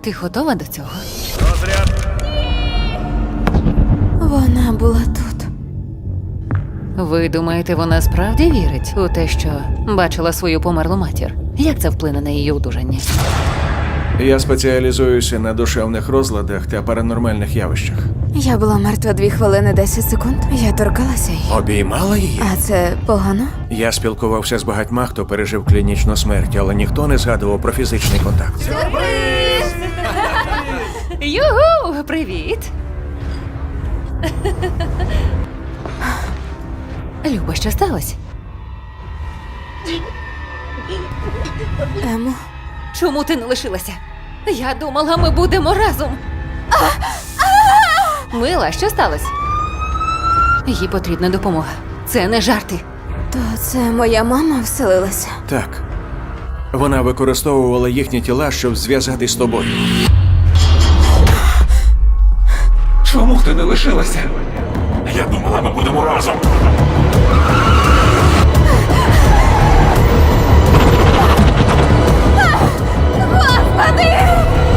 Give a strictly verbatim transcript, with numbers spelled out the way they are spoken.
Ти готова до цього? Розряд. Вона була тут. Ви думаєте, вона справді вірить у те, що бачила свою померлу матір? Як це вплине на її одужання? Я спеціалізуюся на душевних розладах та паранормальних явищах. Я була мертва дві хвилини десять секунд. Я торкалася її. Обіймала її? А це погано? Я спілкувався з багатьма, хто пережив клінічну смерть, але ніхто не згадував про фізичний контакт. Югу! Привіт! Люба, що сталося? Емо, Чому ти не лишилася? Я думала, ми будемо разом. Мила, що сталося? Їй потрібна допомога. Це не жарти. то це моя мама вселилася. Так. Вона використовувала їхні тіла, щоб зв'язатись з тобою. Чому ти не лишилася? Я думала, ми будемо разом. Господи!